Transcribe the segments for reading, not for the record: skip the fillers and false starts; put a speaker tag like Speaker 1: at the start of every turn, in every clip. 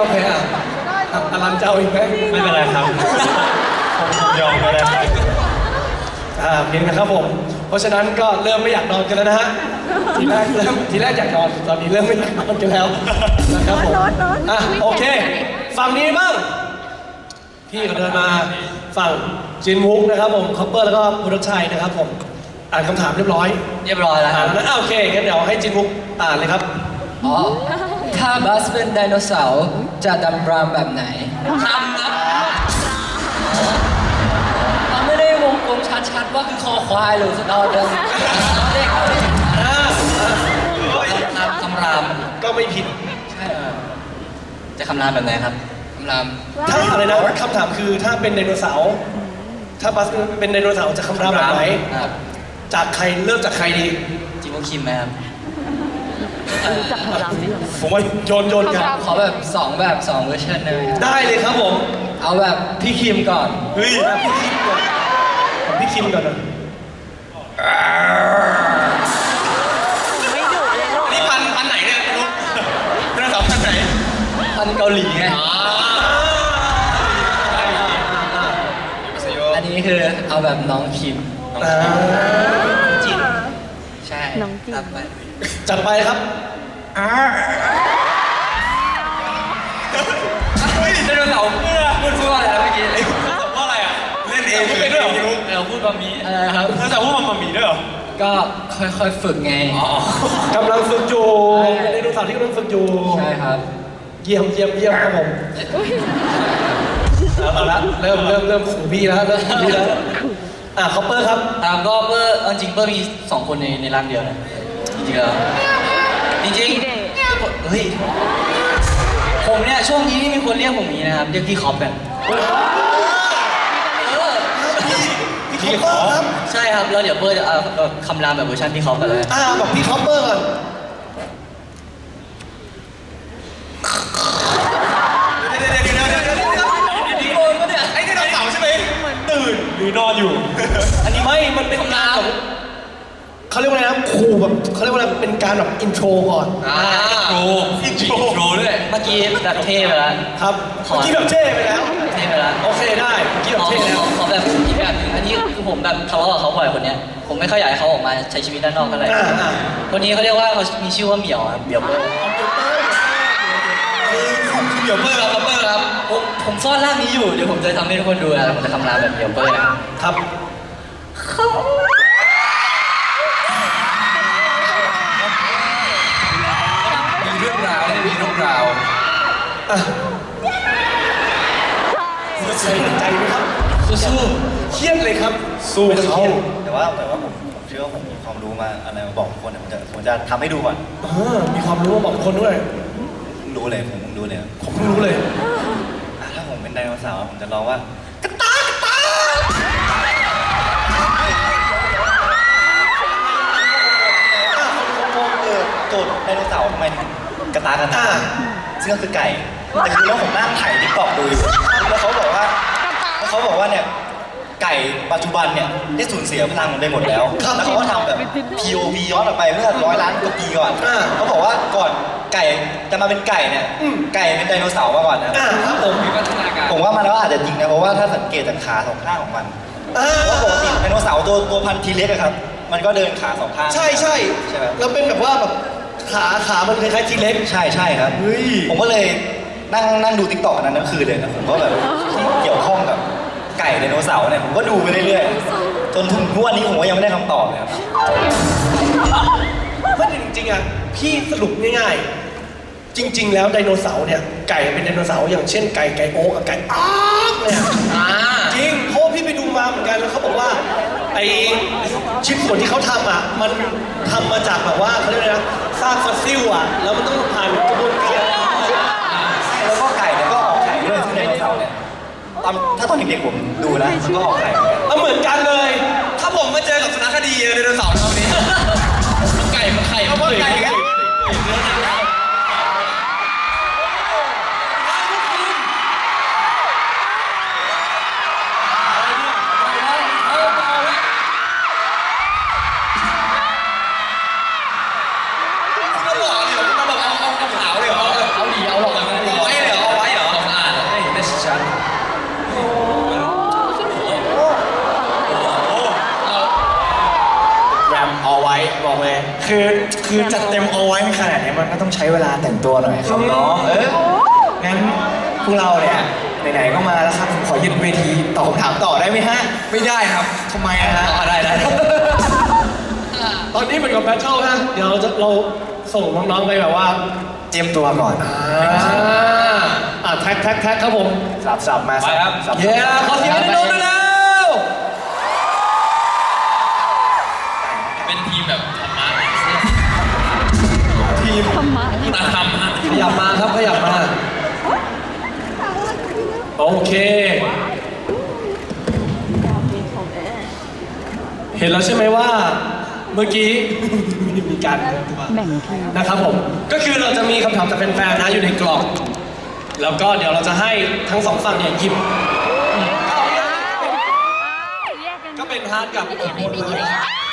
Speaker 1: อเคอ่ะอลันเจ้าอีกไหม
Speaker 2: ไม่เป็นไรครับผมยอมก็ได้ครับ
Speaker 1: เพียงนะครับผมเพราะฉะนั้นก็เริ่มไม่อยากนอนกันแล้วนะฮะทีแรกอยากนอนตอนนี้เริ่มไม่อยากนอนกันแล้วนะครับผมโอเคฝั่งนี้บ้างพี่ก็เดินมาฝั่งจินวุกนะครับผมคอปเปอร์แล้วก็พุทธชัยนะครับผมอ่านคำถามเรียบร้อย
Speaker 3: แล้วครับ
Speaker 1: แล้วโอเคงั้นเดี๋ยวให้จินวุกอ่านเลยครับ
Speaker 3: อ๋อถ้าบัสเป็นไดโนเสาร์จะดำรามแบบไหนทำนะมันไม่ได้วงกลมชัดๆว่าคือคอควายหรือสตอเดิมเรียกคำราม
Speaker 1: ก็ไม่ผิด
Speaker 3: ใช่จะคำรามแบบไหนครับคำราม
Speaker 1: ถ้าอะไรนะคำถามคือถ้าเป็นไดโนเสาร์ถ้าบัสเป็นไดโนเสาร์จะคำรามแบบไหน
Speaker 3: ครับ
Speaker 1: จากใครเริ่มจากใครดี
Speaker 3: จิโมคิมไหมครับ
Speaker 4: จับพลังนี่หรอ
Speaker 1: ผมว่าโยนกัน
Speaker 3: ขอแบบ2แบบ2เวอร์ชันได้ไหมครับ
Speaker 1: ได้เลยครับผม
Speaker 3: เอาแบบพี่คิมก่อน
Speaker 1: เฮ้ยพี่คิมก่อนผมพี่คิมก่อนนะ
Speaker 4: ไม่ดุเลยลูก
Speaker 2: นี่พันไหนเนี่ยลูกไดโนเสาร์พันไหน
Speaker 3: พันเกาหลีไงอันนี้คือเอาแบบน้องคิม
Speaker 1: จิน
Speaker 3: ใช่
Speaker 4: น้องจริง
Speaker 3: ครับไป
Speaker 1: จัดไปครับ
Speaker 3: เฮ้ยไดโนเสาร์พูดว่าอะไรนะเมื่อกี้
Speaker 2: ว่าอะไรอ่ะเล่นเองไม่เป็นด้วยเหรอพี่ลูก
Speaker 3: เราพูดแบบนี้อะไรครับ
Speaker 2: ไดโนเสาร์พูดมันมีด้วยเหรอ
Speaker 3: ก็ค่อยๆฝึกไง
Speaker 1: กำลังฝึกอยู่เป็นไดโนเสาร์ที่กำลังฝึกอยู่
Speaker 3: ใช่ครับ
Speaker 1: เยี่ยมครับผมเอาละเริ่มขู่พี่แล้วคอปเปอร์ครับ
Speaker 3: ก็เปอร์จริงเปอร์มี2คนในร่างเดียวนะจริงๆแล้วจริงๆเฮ้ยผมเนี่ยช่วงนี้มีคนเรียกผมอย่างนี้นะครับเรียกพี่คอปกัน
Speaker 1: พี่คอปเปอร์ครับ
Speaker 3: ใช่ครับแล้วเดี๋ยวเปอร์จะคำรามแบบเวอร์ชันพี่คอปกันเลย
Speaker 1: บอกพี่คอปเปอร์ก่อน
Speaker 2: ไอ้ไดโนเสาร์ใช่ไหมตื่นหรือนอนอยู่
Speaker 1: อันนี้ไม่มันเป็นการแบบเขาเรียกว่าอะไรนะขู่แบบเขาเรียกว่าอะไรเป็นการแบบอินโทรก่อน
Speaker 3: โทรด้วยเมื่อกี้แบบเท่ไปแล้ว
Speaker 1: ครับเมื่อกี้แบบเท่ไปแล้ว
Speaker 3: เท่ไปแล้ว
Speaker 1: โอเคได้เมื่อกี้แบบเท่แล้ว
Speaker 3: ขอแบบอีกแบบหนึงอันนี้คือผมแบบทะเลาะกับเขาบ่อยคนเนี้ยผมไม่ค่อยอยากให้เขาออกมาใช้ชีวิตด้านนอกเท่าไหร่คนนี้เขาเรียกว่าเขามีชื่อว่าเหมียวครับเหมียวเปอร์
Speaker 2: เดี๋ยวเบอร์ครับเบอร์ครับ
Speaker 3: ผมซ่อนร่างนี้อยู่เดี๋ยวผมจะทำให้ทุกคนดูนะผมจะคำรามแบบเหมียวเปอร์นะครับ
Speaker 2: มีเรื่องราวเนี่ยมีเรื่องราว
Speaker 1: ใส่ใจไหมครับ
Speaker 3: สู้
Speaker 1: เครียดเลยครับสู้เขา
Speaker 5: แต่ว่าผมเชื่อว่าผมมีความรู้มาอะไรมาบอกทุกคนผมจะทำให้ดูก่อน
Speaker 1: มีความรู้มาบอกคนด้วย
Speaker 5: รู้เลยผมรู้เลย
Speaker 1: ผมเพิ่งรู้เลย
Speaker 5: ถ้าผมเป็นไดโนเสาร์ผมจะร้องว่าโจทย์ไดโนเสาร์ทำไมถึงกระตากซึ่งก็คือไก่แต่คือแล้วผมนั่งถ่ายทิกตอกดูอยู่แล้วเขาบอกว่าเนี่ยไก่ปัจจุบันเนี่ยได้สูญเสียพลังมันไปหมดแล้วแล้วเขาก็ทำแบบ POV ย้อนกลับไปเมื่อ100 ล้านกว่าปีก่อนเขาบอกว่าก่อนไก่จะมาเป็นไก่เนี่ยไก่เป็นไดโนเสาร์มาก่อนนะครับ
Speaker 1: ผม
Speaker 3: มีพัฒนาการ
Speaker 5: ผมว่ามันก็อาจจะจริงนะเพราะว่าถ้าสังเกตจากขาสองข้างของมันเพราะปกติไดโนเสาร์ตัวพันธุ์ทีเล็กอะครับมันก็เดินขาสองข้าง
Speaker 1: ใช่
Speaker 5: ใช่ไหม
Speaker 1: แล้วเป็นแบบว่าแบบขามันคล้ายๆทีเล็ก
Speaker 5: ใช่ครับผมก็เลยนั่งดูติ๊กต็อกนั้นทั้งคืนเลยนะผมก็แบบที่เกี่ยวข้องกับไก่ไดโนเสาร์เนี่ยผมก็ดูไปเรื่อยๆจนถึงวันนี้ผมก็ยังไม่ได้คำตอบเลยครับ
Speaker 1: เพราะจริงๆอ่ะพี่สรุปง่ายๆจริง ๆ แล้วไดโนเสาร์เนี่ยไก่เป็นไดโนเสาร์อย่างเช่นไก่โอ๊กกับไก่อ๊ากเนี่ยจริงเพราะพี่ไปดูมาเหมือนกันแล้วเขาบอกว่าไอชิ้นส่วนที่เขาทำอ่ะมันทำมาจากแบบว่าเขาเรียกอะไรนะซากฟอสซิลอ่ะแล้วมันต้องผ่านกระบวนการ
Speaker 5: แล้วก็ไก่เนี่ยก็ออกไข่ด้วยซึ่งไดโนเสาร์เนี่ยถ้าตอนเด็กๆผมดูนะมันก็ออกไข่เหมือนกัน
Speaker 1: เหมือนกันเลย
Speaker 2: ถ้าผมมาเจอกับสารคดีไดโนเสาร์ตอนนี้ไก่มันไข่เอาว่าไก่กัน
Speaker 3: เอาหลีเอาหลอก
Speaker 2: เอาไว้เลยเหรอ
Speaker 5: เลย คือจัดเต็มเอาไว้ขนาดนี้มันก็ต้องใช้เวลาแต่งตัวหน่อยครับน้องงั้นพวกเราเนี่ยไหนๆก็มาแล้วครับผมขอยึดเวทีตอบคำถามต่อได้ไหมฮะ
Speaker 2: ไม่ได้ครับ
Speaker 5: ทำไมอะฮะ
Speaker 2: ได้
Speaker 1: ตอนนี้เหมือนกับแบทเทิลนะเดี๋ยวเราส่งน้องๆไปแบบว่า
Speaker 5: เตรียมตัวก่อน
Speaker 1: แท็กครับผม
Speaker 5: สับมา
Speaker 2: ไปครับ
Speaker 5: สับ
Speaker 1: เย้ขอเสียงให้น้องด้วยแล้ว
Speaker 2: เป็นทีมแบบธรรมะ
Speaker 1: ทีม
Speaker 4: ธรรมะ
Speaker 2: คุณธรรมฮะ
Speaker 1: ขยับมาครับขยับมาโอเค เห็นแล้วใช่ไหมว่าเมื่อกี้ มีการ
Speaker 4: แบ่งทีม
Speaker 1: นะครับผมก็คือเราจะมีคำถามจากแฟนๆนะอยู่ในกล่อง แล้วก็เดี๋ยวเราจะให้ทั้งสองฝั่งเนี่ยหยิบก็เป็นฮาร์ดกับคนเลย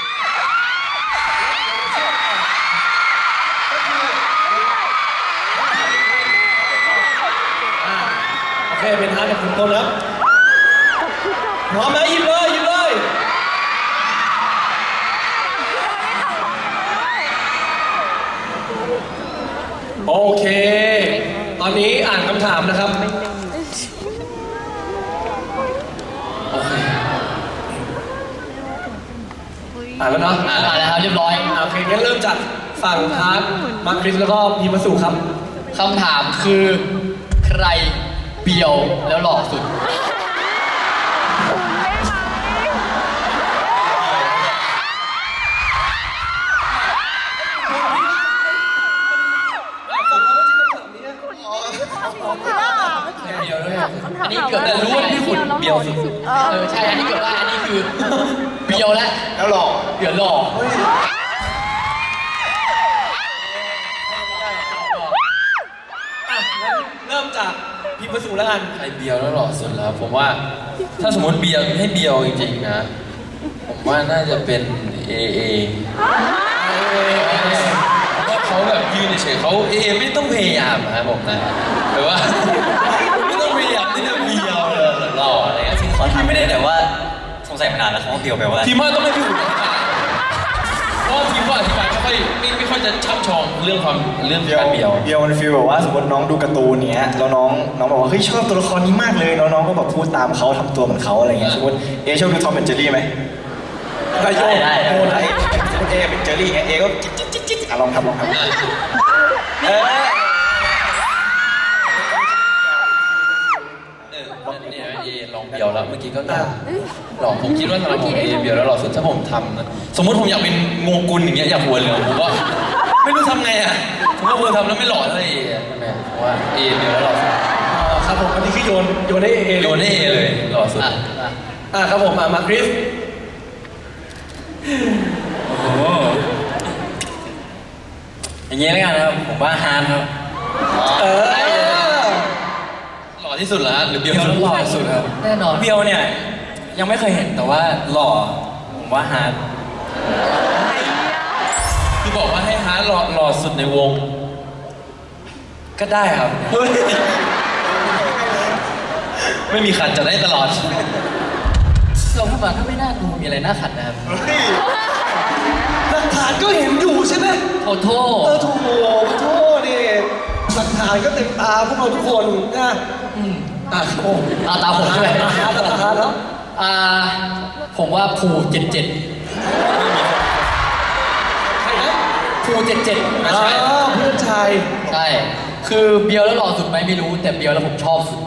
Speaker 1: โอเคเป็นฮาร์ดกับคุณต้นครับพร้อมไหมหยิบเลยหยิบเลยโอเค ตอนนี้อ่านคำถามนะครับ โอเค อ่านแล้วเนาะ
Speaker 3: อ่านแล้วครับเรียบร้อย
Speaker 1: โอเคงั้นเริ่มจากฝั่งฮาร์ดมาร์คคริสแล้วก็พีมาสุครับ
Speaker 3: คำถามคือใครเบียวแล้วหล่อสุด
Speaker 2: เดียวด้วย
Speaker 3: อันนี้เกิดแต่รู้ว่าพี่ขุนเบียวสุดใช่ อันนี้เกิดว่าอันนี้คือเบียวแล้ว
Speaker 5: แล้วหลอก
Speaker 3: เดี๋ยวหล่อ
Speaker 1: อ่ะงั้นเริ่มจากพีมาสุแล้วกัน
Speaker 6: ใครเบียวแล้วหล่อสุดแล้วผมว่าถ้าสมมติเบียวให้เบียวจริงๆนะ ผมว่าน่าจะเป็นเอเพราะว่าเขาแบบยืนเฉยๆเขาเอไม่ต้องพยายามนะครับผมนะแต่ว่า ไม่ต้องพยายามที่จะเบียวเลยหล่ออะไรเงี้ย
Speaker 5: ขอถามไม่ได้แต่ว่าสงสัยมานานแล้วเขาเดียวไปว่า
Speaker 6: ทีมว่าต้องไม่พี่หุ่นอธิบายเพราะว่าทีมว่าอธิบายไม่ค่อยจะช่ำชองเรื่องการเบียว
Speaker 5: เบียวมันฟีลแบบว่าสมมติน้องดูการ์ตูนเนี้ยแล้วน้องบอกว่าเฮ้ยชอบตัวละครนี้มากเลยแล้วน้องก็แบบพูดตามเขาทำตัวเหมือนเขาอะไรเงี้ยสมมติเอชอบดูทอมแอนด์เจอรี่ไหม
Speaker 1: ได้โยน
Speaker 5: ได้
Speaker 1: โยน
Speaker 5: ได้สมมติเอเป็นเจอรี่เงี้ยเอก็จิ๊ดลองทำ
Speaker 6: เนี่ยเอลองเบียวแล้วเมื่อกี้ก็หล่อผมคิดว่าสำหรับผมเอเบียวแล้วหล่อสุดถ้าผมทำนะสมมติผมอยากเป็นโงกุลอย่างเงี้ยอยากหัวเหลืองผมก็ไม่รู้ทำไงอ่ะผมว่าผมทำแล้วไม่หล่อเท่าเอใช่ไหมเพราะว่าเอเบียวแล้วหล่อสุด
Speaker 1: ครับผมอันนี้คือโยนให้เอ
Speaker 6: โดนให้เอเลยหล่อสุด
Speaker 1: ครับผมมาร์คคริส
Speaker 6: โอ้โหอย่างเงี้ยแล้วกันนะครับผมว่าฮาร์ดครับ
Speaker 1: เออ
Speaker 6: หล่อที่สุดแล้วหรือเบียวหล่อที่สุดครับ
Speaker 3: แน่นอน
Speaker 6: เบียวเนี่ยยังไม่เคยเห็นแต่ว่าหล่อผมว่าฮาร์ดคือบอกว่าให้ฮาร์ดหล่อสุดในวง ก็ได้ครับ
Speaker 1: เฮ้ย
Speaker 6: ไม่มีขัดจะได้ตลอด
Speaker 3: เราพูดมาก็ไม่น่าดูมีอะไรน่าขัดนะครับ
Speaker 1: หลักฐานก็เห็นอยู่ใช่ไหม
Speaker 3: โอ้โทษ
Speaker 1: ถูกโทษดิหลักฐานก็เต็มตาพวกเราทุกคนนะครับผม
Speaker 3: ตาผมใช่ไหม
Speaker 1: หลักฐานแล้ว
Speaker 3: ผมว่าภู77
Speaker 1: ใครนะ
Speaker 3: ภู77
Speaker 1: เพื่อนชาย
Speaker 3: ใช่ คือเบียวแล้วหล่อสุดไหมไม่รู้ แต่เบียวแล้วผมชอบสุด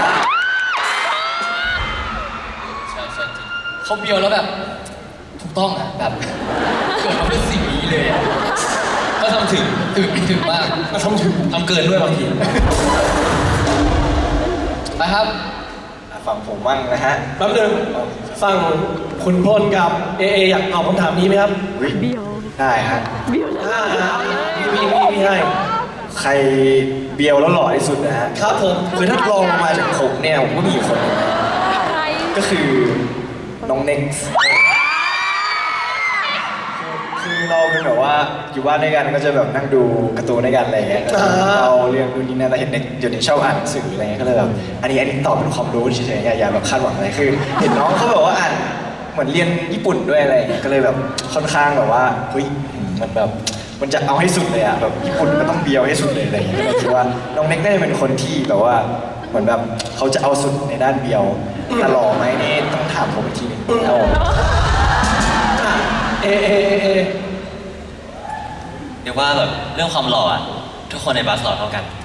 Speaker 6: ใช่ใช่จริง
Speaker 3: เขาเบียวแล้วแบบ ถูกต้องอ่ะแบบเกิดมาเพื่อสิ่งนี้เลยอะ
Speaker 6: ก็ทำถึง
Speaker 3: ถึงมาก
Speaker 1: มาทำถึง
Speaker 6: ทำเกินด้วยบางที
Speaker 3: ไปครับ
Speaker 5: ฝั่งผมบ้างนะฮะ
Speaker 1: แป๊บนึงฝั่งคุณพลกับเออยากตอบคำถามนี้ไหมครับ
Speaker 4: เบี้ยว
Speaker 5: ได้ฮะ
Speaker 4: เบี้ยวแล้ว
Speaker 1: มีให้
Speaker 5: ใครเบียวแล้วหล่อที่สุดนะฮะ
Speaker 1: ครับผม
Speaker 5: คือถ้าลองมาจากผมเนี่ยผมก็มีอยู่คนหนึงนะ
Speaker 4: ใคร
Speaker 5: ก็คือน้องเน็กซ์คือเราเป็นแบบว่าอยู่บ้านด้วยกันก็จะแบบนั่งดูการ์ตูนด้วยกันอะไรอย่างเงี้ยเราเรียนดูนี่นั่นแต่เห็นเด็กเดี๋ยวนี้ชอบอ่านหนังสืออะไรเงี้ยก็เลยแบบอันนี้ตอบเป็นความรู้เฉยๆอย่าแบบคาดหวังอะไรคือ เห็นน้องเขาแบบว่าอ่านเหมือนเรียนญี่ปุ่นด้วยอะไรอย่างเงี้ยก็เลยแบบค่อนข้างแบบว่าเฮ้ยมันแบบมันจะเอาให้สุดเลยอะแบบญี่ปุ่นก็ต้องเบียวให้สุดเลยอะไรอย่างเงี้ยก็คิดว่าน้องเน็กน่าจะเป็นคนที่แบบว่าเหมือนแบบเขาจะเอาสุดในด้านเบียวแต่หล่อไหมนี่ต้องถามผมอีกทีหนึงเอา
Speaker 1: เอ
Speaker 3: เรียกว่าแบบเรื่องความหล่ออะทุกคนในบัสหล่อเท่ากัน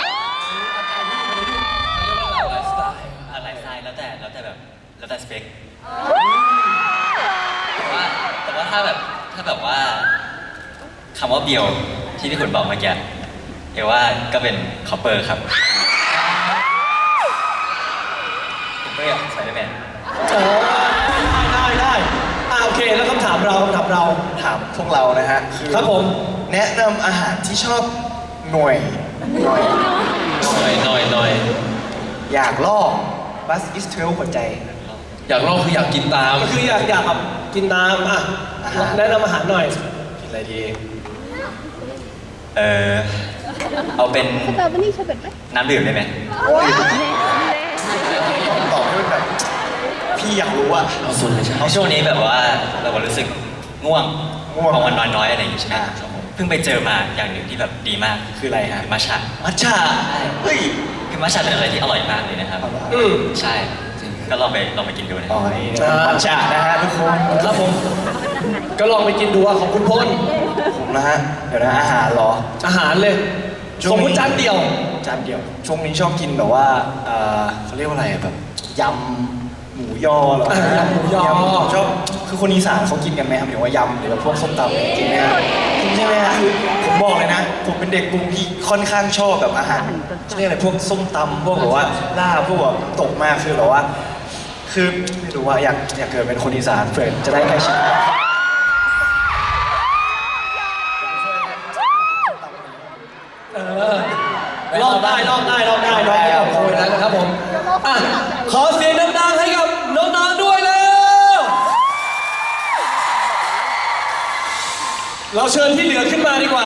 Speaker 3: อะไรสไตล์แล้วแต่แบบแล้วแต่สเปคแต่ว่าถ้าแบบว่าคำว่าเบียวที่พี่ขุนบอกเมื่อกี้เอว่าก็เป็นคอปเปอร์ครับผมก็อยากใส่ได้แมน
Speaker 1: ได้โอเคแล้วคำถามเรา
Speaker 5: ถามพวกเรานะฮะคือ
Speaker 1: ครับผม
Speaker 5: แนะนำอาหารที่ชอบหน่อย
Speaker 6: หน่อย
Speaker 5: อยากลอกบัสอิสเทลหัวใจ
Speaker 6: อยากลองคืออยากกินตาม
Speaker 1: ก็คืออยากแบบกินน้ำอ่ะแนะนำอาหารหน่อย
Speaker 5: กินอะไรดี
Speaker 3: เอาเป็น
Speaker 7: สตรอเบอรี่เชอร์เบตไหม
Speaker 3: น้ำดื่มได้ไหม
Speaker 5: ตอบให้มันแบบพี่อยากรู้อะ
Speaker 6: เอาส่วนเลยใช่ไหม
Speaker 3: เอาช่วงนี้แบบว่าเราก็รู้สึกง่วง
Speaker 5: ง่วง
Speaker 3: พอวันนอนน้อยอะไรอย่างงี้ใช่ไหม
Speaker 5: ครับผม
Speaker 3: เพิ่งไปเจอมาอย่างหนึ่งที่แบบดีมาก
Speaker 5: คืออะไรฮะ
Speaker 3: มัชชะ
Speaker 5: มัทฉะเฮ้ย
Speaker 3: คือมัชชะเป็นอะไรที่อร่อยมากเลยนะครับ
Speaker 1: อืม
Speaker 3: ใช่ก็ลองไปกินดูนะ
Speaker 5: อ๋อนี่มัทฉะนะฮะทุกคน
Speaker 1: ครับผม ก็ลองไปกินดูอ่ะของคุณพล
Speaker 5: ผมนะฮะเดี๋ยวนะอาหารเหรอ
Speaker 1: อาหารเลยสมมติจานเดียว
Speaker 5: จานเดียวช่วงนี้ชอบกินแบบว่าเขาเรียกว่าอะไรอะแบบยำหมูยอเหรอ
Speaker 1: อ่ายำหมูยอ
Speaker 5: ผมชอบคือคนอีสานเขากินกันไหมครับหรือว่ายำหรือว่าพวกส้มตำกินไหมครับกินใช่ไหมฮะคือผมบอกเลยนะ ผมเป็นเด็กกรุงที่ค่อนข้างชอบแบบอาหารเรียกอะไรพวกส้มตำพวกแบบว่าลาบพวกแบบตกมากคือแบบว่า คือไม่รู้ว่าอยากเกิดเป็นคนอีสานเพื่อจะได้ใกล้ชิด
Speaker 1: ลองได้